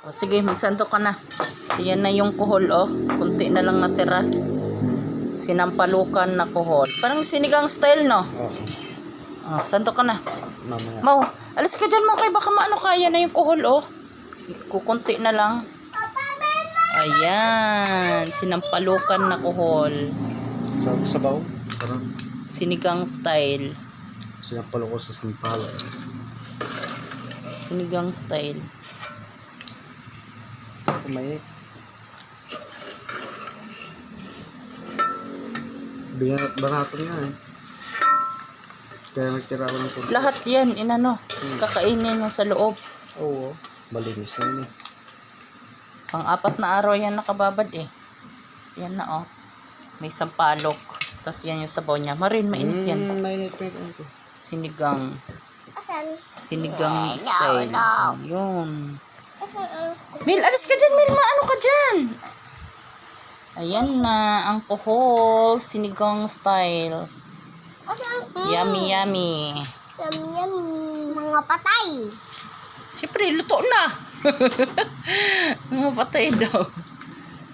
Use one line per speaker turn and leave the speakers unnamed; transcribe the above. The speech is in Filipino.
O, sige, magsanto ka na. Yan na yung kuhol, oh. Kunti na lang natira. Sinampalukan na kuhol. Parang sinigang style, no?
Oo.
Oh, santo ka na.
Mamaya.
Mau, alis ka dyan, Mau. Kaya baka maano kaya na yung kuhol, oh. Kukunti na lang. Ayan. Sinampalukan na kuhol.
Sabaw. Parang
Sinigang style.
sinapalo ko sa sampalo.
Sinigang style.
Kumainit. Barato nga eh. Kaya nagtira ko ng kunti.
Lahat yan, inano. Kakainin mo sa loob.
Oo. Malinis na yun eh.
Pang-4 na araw yan nakababad eh. Yan na oh. May sampalok. Tapos yan yung sabaw niya. Marin, mainit yan.
Mainit na ito.
Sinigang.
Asan?
Sinigang style. Yun.
Asan ang
Mil, alis ka dyan, Mil. Maano ka dyan? Ayan na. Ang kuhol. Sinigang style.
Asan?
Yummy, yummy.
Yummy. Mga patay.
Siyempre, luto na. Mga patay daw.